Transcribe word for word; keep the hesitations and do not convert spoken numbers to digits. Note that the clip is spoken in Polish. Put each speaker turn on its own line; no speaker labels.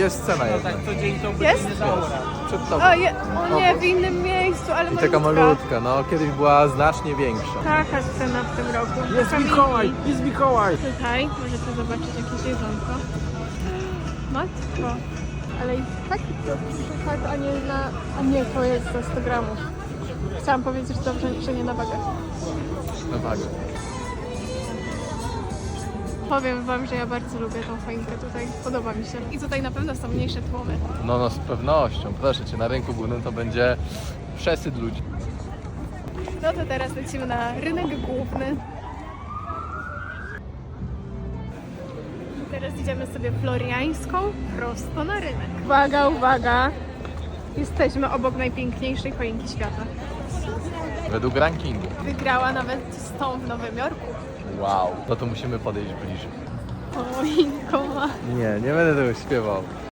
jest scena jedna.
Jest?
Przed tobą.
O, je, o nie, w innym miejscu, ale
I taka malutka, no kiedyś była znacznie większa.
Taka scena w tym roku.
Jest
Kamili.
Mikołaj, jest Mikołaj.
Tutaj możecie zobaczyć jakieś jedzonko. Matko. Ale i tak dobrze, tak, a nie na... A nie, to jest za sto gramów. Chciałam powiedzieć dobrze, że nie na wagę.
Na wagę.
Powiem wam, że ja bardzo lubię tą choinkę tutaj. Podoba mi się. I tutaj na pewno są mniejsze tłumy.
No, no z pewnością. Proszę cię, na rynku głównym to będzie przesyt ludzi.
No to teraz lecimy na rynek główny. Teraz idziemy sobie floriańską prosto na rynek. Uwaga, uwaga! Jesteśmy obok najpiękniejszej choinki świata.
Według rankingu.
Wygrała nawet z tą w Nowym Jorku.
Wow. No to musimy podejść bliżej.
Choinko ma.
Nie, nie będę tego śpiewał.